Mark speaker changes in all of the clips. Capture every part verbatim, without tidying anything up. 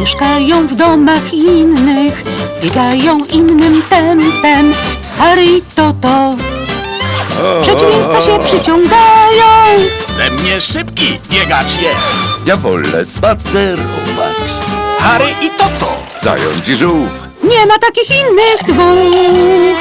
Speaker 1: Mieszkają w domach innych, biegają innym tempem. Harry i Toto przeciwieństwa się przyciągają.
Speaker 2: Ze mnie szybki biegacz jest.
Speaker 3: Ja wolę spacerować.
Speaker 2: Harry i Toto.
Speaker 3: Zając i żółw.
Speaker 1: Nie ma takich innych dwóch.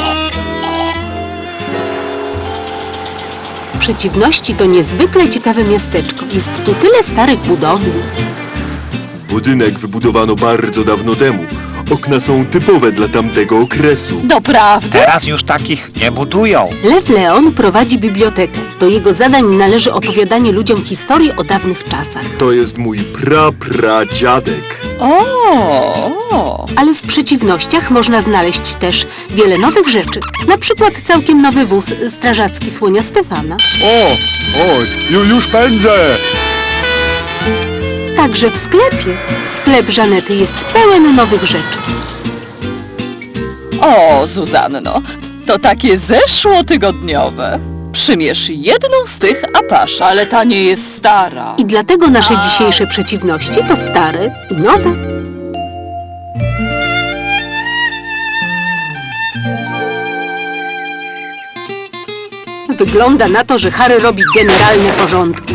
Speaker 1: Przeciwności to niezwykle ciekawe miasteczko. Jest tu tyle starych budowli.
Speaker 4: Budynek wybudowano bardzo dawno temu. Okna są typowe dla tamtego okresu.
Speaker 1: Doprawdy?
Speaker 2: Teraz już takich nie budują.
Speaker 1: Lew Leon prowadzi bibliotekę. Do jego zadań należy opowiadanie ludziom historii o dawnych czasach.
Speaker 4: To jest mój pra-pradziadek.
Speaker 5: O,
Speaker 1: Ale w przeciwnościach można znaleźć też wiele nowych rzeczy. Na przykład całkiem nowy wóz strażacki słonia Stefana.
Speaker 4: O, o, ju, już pędzę!
Speaker 1: Także w sklepie. Sklep Żanety jest pełen nowych rzeczy.
Speaker 5: o, Zuzanno, to takie zeszłotygodniowe. Przymierz jedną z tych, a pasz, ale ta nie jest stara.
Speaker 1: I dlatego nasze dzisiejsze przeciwności to stare i nowe. Wygląda na to, że Harry robi generalne porządki.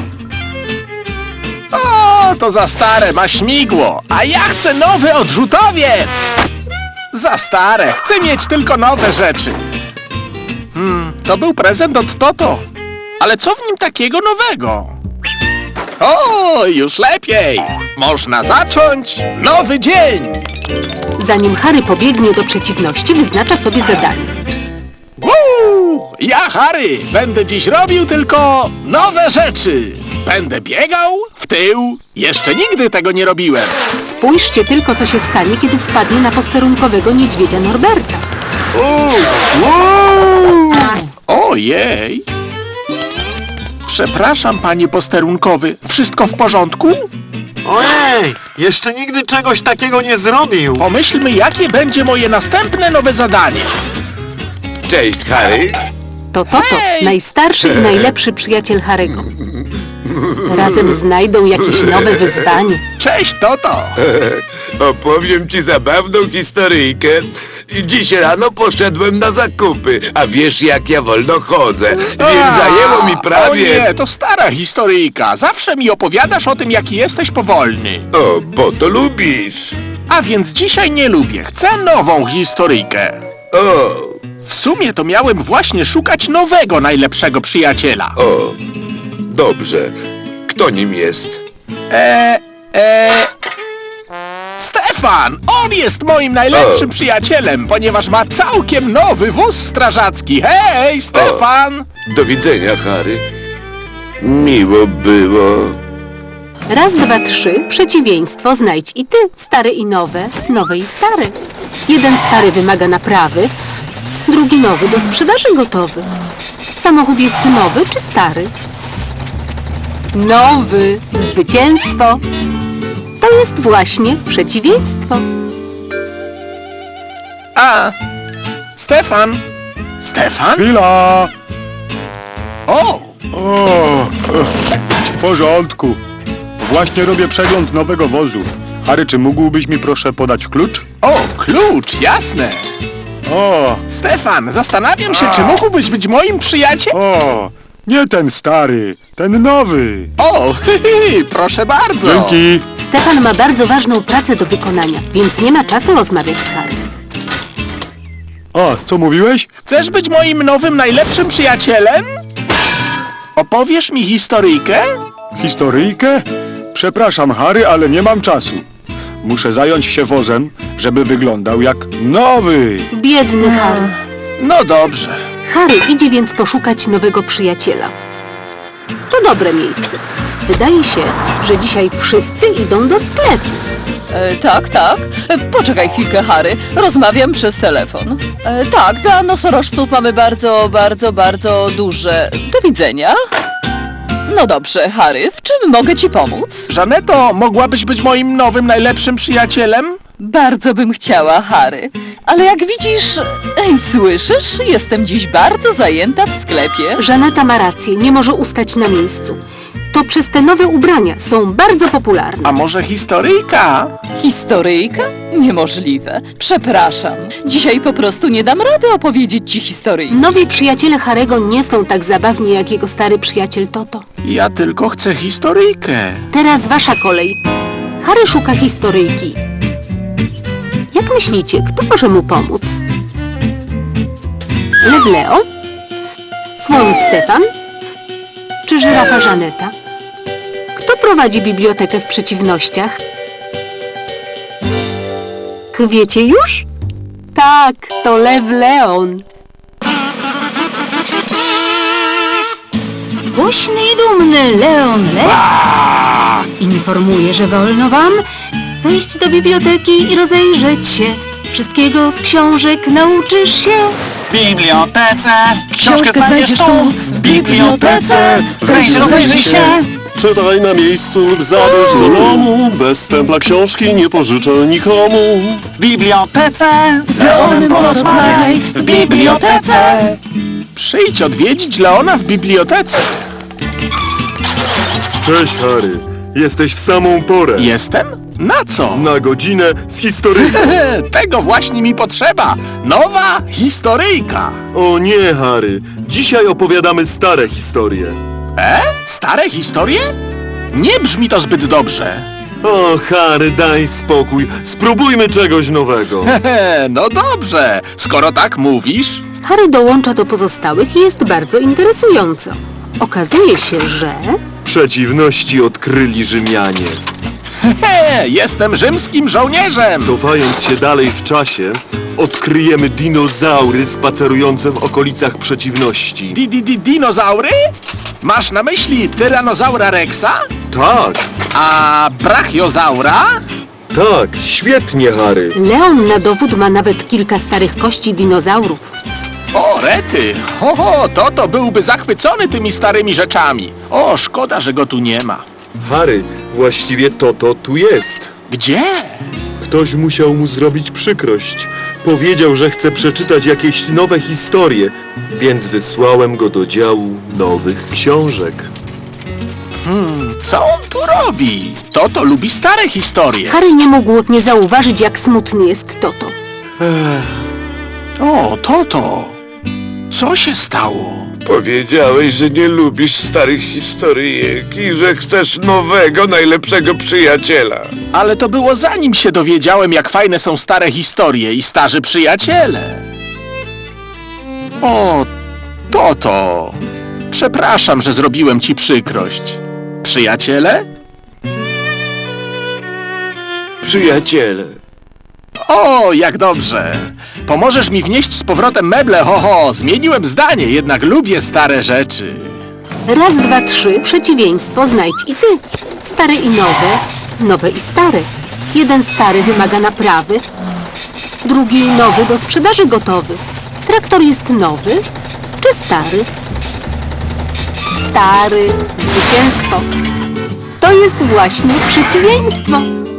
Speaker 2: O, to za stare, ma śmigło. A ja chcę nowy odrzutowiec. Za stare, chcę mieć tylko nowe rzeczy. Hmm, to był prezent od Toto. Ale co w nim takiego nowego? O, już lepiej. Można zacząć nowy dzień.
Speaker 1: Zanim Harry pobiegnie do przeciwności, wyznacza sobie zadanie.
Speaker 2: Woo! Ja, Harry, będę dziś robił tylko nowe rzeczy. Będę biegał w tył. Jeszcze nigdy tego nie robiłem.
Speaker 1: Spójrzcie tylko, co się stanie, kiedy wpadnie na posterunkowego niedźwiedzia Norberta.
Speaker 2: Ojej. Przepraszam, panie posterunkowy. Wszystko w porządku?
Speaker 6: Ojej, jeszcze nigdy czegoś takiego nie zrobił.
Speaker 2: Pomyślmy, jakie będzie moje następne nowe zadanie.
Speaker 3: Cześć, Harry.
Speaker 1: To Toto,
Speaker 2: Hej!
Speaker 1: najstarszy i najlepszy przyjaciel Harry'ego. Razem znajdą jakieś nowe wyzwanie.
Speaker 2: Cześć, Toto.
Speaker 3: Opowiem ci zabawną historyjkę. Dziś rano poszedłem na zakupy, a wiesz, jak ja wolno chodzę, więc zajęło mi
Speaker 2: O
Speaker 3: prawie...
Speaker 2: nie, to stara historyjka. Zawsze mi opowiadasz o tym, jaki jesteś powolny.
Speaker 3: O, bo to lubisz.
Speaker 2: A więc dzisiaj nie lubię. Chcę nową historyjkę.
Speaker 3: O,
Speaker 2: W sumie to miałem właśnie szukać nowego, najlepszego przyjaciela.
Speaker 3: o, dobrze. Kto nim jest?
Speaker 2: Eee, eee... Stefan! On jest moim najlepszym
Speaker 3: O.
Speaker 2: przyjacielem, ponieważ ma całkiem nowy wóz strażacki. Hej, Stefan!
Speaker 3: Do widzenia, Harry. Miło było.
Speaker 1: Raz, dwa, trzy, przeciwieństwo znajdź i ty, stare i nowe, nowe i stare. Jeden stary wymaga naprawy, drugi nowy do sprzedaży gotowy. Samochód jest nowy czy stary? Nowy. Zwycięstwo. To jest właśnie przeciwieństwo.
Speaker 2: A, Stefan! Stefan?
Speaker 4: Chwila!
Speaker 2: O!
Speaker 4: O, w porządku. Właśnie robię przegląd nowego wozu. Harry, czy mógłbyś mi proszę podać klucz?
Speaker 2: O, klucz, jasne!
Speaker 4: O,
Speaker 2: Stefan, zastanawiam się, czy mógłbyś być moim przyjacielem?
Speaker 4: o, nie ten stary, ten nowy.
Speaker 2: O, hy, hy, proszę bardzo!
Speaker 4: Dzięki.
Speaker 1: Stefan ma bardzo ważną pracę do wykonania, więc nie ma czasu rozmawiać z Harry.
Speaker 4: A, co mówiłeś?
Speaker 2: Chcesz być moim nowym, najlepszym przyjacielem? Opowiesz mi historyjkę?
Speaker 4: Historyjkę? Przepraszam, Harry, ale nie mam czasu. Muszę zająć się wozem, żeby wyglądał jak nowy.
Speaker 1: Biedny Harry.
Speaker 2: No dobrze.
Speaker 1: Harry idzie więc poszukać nowego przyjaciela. To dobre miejsce. Wydaje się, że dzisiaj wszyscy idą do sklepu.
Speaker 5: E, tak, tak. E, poczekaj chwilkę, Harry. Rozmawiam przez telefon. E, tak, dla nosorożców mamy bardzo, bardzo, bardzo duże... Do widzenia. No dobrze, Harry, w czym mogę ci pomóc?
Speaker 2: Żaneto, mogłabyś być moim nowym, najlepszym przyjacielem?
Speaker 5: Bardzo bym chciała, Harry. Ale jak widzisz... Ej, słyszysz? Jestem dziś bardzo zajęta w sklepie.
Speaker 1: Żaneta ma rację, nie może ustać na miejscu. To przez te nowe ubrania są bardzo popularne.
Speaker 2: A może historyjka?
Speaker 5: Historyjka? Niemożliwe. Przepraszam. Dzisiaj po prostu nie dam rady opowiedzieć ci historyjki.
Speaker 1: Nowi przyjaciele Harego nie są tak zabawni jak jego stary przyjaciel Toto.
Speaker 2: Ja tylko chcę historyjkę.
Speaker 1: Teraz wasza kolej. Harry szuka historyjki. Jak myślicie, kto może mu pomóc? Lew Leo? Słoń Stefan? Czy żyrafa Żaneta? Kto prowadzi bibliotekę w przeciwnościach? K- Wiecie już? Tak, to Lew Leon. Głośny i dumny Leon Lew informuje, że wolno wam wejść do biblioteki i rozejrzeć się. Wszystkiego z książek nauczysz się.
Speaker 7: W bibliotece książkę
Speaker 1: Książkę
Speaker 7: znajdziesz tu. W bibliotece wejdź, rozejrzyj się.
Speaker 8: Czytaj na miejscu lub zabierz do domu. Bez stempla książki nie pożyczę nikomu.
Speaker 7: W bibliotece z Leonem porozmawiaj. W bibliotece.
Speaker 2: Przyjdź odwiedzić Leona w bibliotece.
Speaker 8: Cześć, Harry. Jesteś w samą porę.
Speaker 2: Jestem? Na co?
Speaker 8: Na godzinę z historyjką.
Speaker 2: Tego właśnie mi potrzeba. Nowa historyjka.
Speaker 8: O nie, Harry. Dzisiaj opowiadamy stare historie.
Speaker 2: E? Stare historie? Nie brzmi to zbyt dobrze.
Speaker 8: O, Harry, daj spokój. Spróbujmy czegoś nowego.
Speaker 2: Hehe, no dobrze, skoro tak mówisz.
Speaker 1: Harry dołącza do pozostałych i jest bardzo interesująco. Okazuje się, że...
Speaker 8: Przeciwności odkryli Rzymianie.
Speaker 2: He, jestem rzymskim żołnierzem.
Speaker 8: Cofając się dalej w czasie, odkryjemy dinozaury spacerujące w okolicach przeciwności.
Speaker 2: Di, di, di, dinozaury? Masz na myśli tyranozaura rexa?
Speaker 8: Tak,
Speaker 2: A brachiozaura?
Speaker 8: tak, świetnie, Harry.
Speaker 1: Leon na dowód ma nawet kilka starych kości dinozaurów.
Speaker 2: O, rety! Ho, ho, Toto byłby zachwycony tymi starymi rzeczami. O, szkoda, że go tu nie ma.
Speaker 8: Harry, właściwie Toto tu jest.
Speaker 2: Gdzie?
Speaker 8: Ktoś musiał mu zrobić przykrość. Powiedział, że chce przeczytać jakieś nowe historie, więc wysłałem go do działu nowych książek.
Speaker 2: Co on tu robi? Toto lubi stare historie.
Speaker 1: Harry nie mógł nie zauważyć, jak smutny jest Toto.
Speaker 2: O, Toto! Co się stało?
Speaker 3: Powiedziałeś, że nie lubisz starych historyjek i że chcesz nowego, najlepszego przyjaciela.
Speaker 2: Ale to było zanim się dowiedziałem, jak fajne są stare historie i starzy przyjaciele. O, Toto! Przepraszam, że zrobiłem ci przykrość. Przyjaciele?
Speaker 3: Przyjaciele.
Speaker 2: O, jak dobrze! Pomożesz mi wnieść z powrotem meble, ho, ho! Zmieniłem zdanie, jednak lubię stare rzeczy.
Speaker 1: Raz, dwa, trzy, przeciwieństwo znajdź i ty. Stare i nowe, nowe i stare. Jeden stary wymaga naprawy, drugi nowy do sprzedaży gotowy. Traktor jest nowy czy stary? Stary, zwycięstwo. To jest właśnie przeciwieństwo.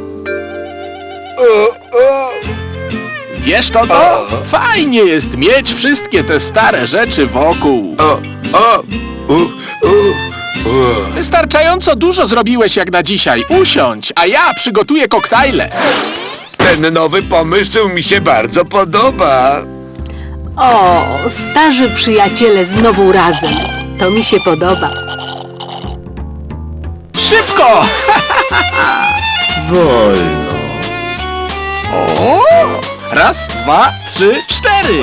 Speaker 2: Wiesz, Toto? Fajnie jest mieć wszystkie te stare rzeczy wokół.
Speaker 3: O, o, u, u, u.
Speaker 2: Wystarczająco dużo zrobiłeś jak na dzisiaj. Usiądź, a ja przygotuję koktajle.
Speaker 3: Ten nowy pomysł mi się bardzo podoba.
Speaker 1: O, starzy przyjaciele znowu razem. To mi się podoba.
Speaker 2: Szybko!
Speaker 8: Wolno.
Speaker 2: O! Raz, dwa, trzy, cztery!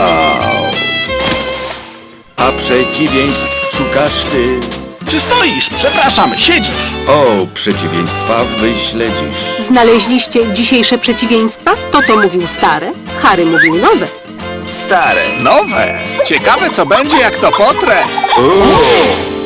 Speaker 9: A przeciwieństw szukasz ty.
Speaker 2: Czy stoisz? Przepraszam, siedzisz.
Speaker 9: O, przeciwieństwa wyśledzisz.
Speaker 1: Znaleźliście dzisiejsze przeciwieństwa? Toto mówił stare, Harry mówił nowe.
Speaker 3: Stare.
Speaker 2: Nowe. Ciekawe, co będzie, jak to potrę.
Speaker 3: O,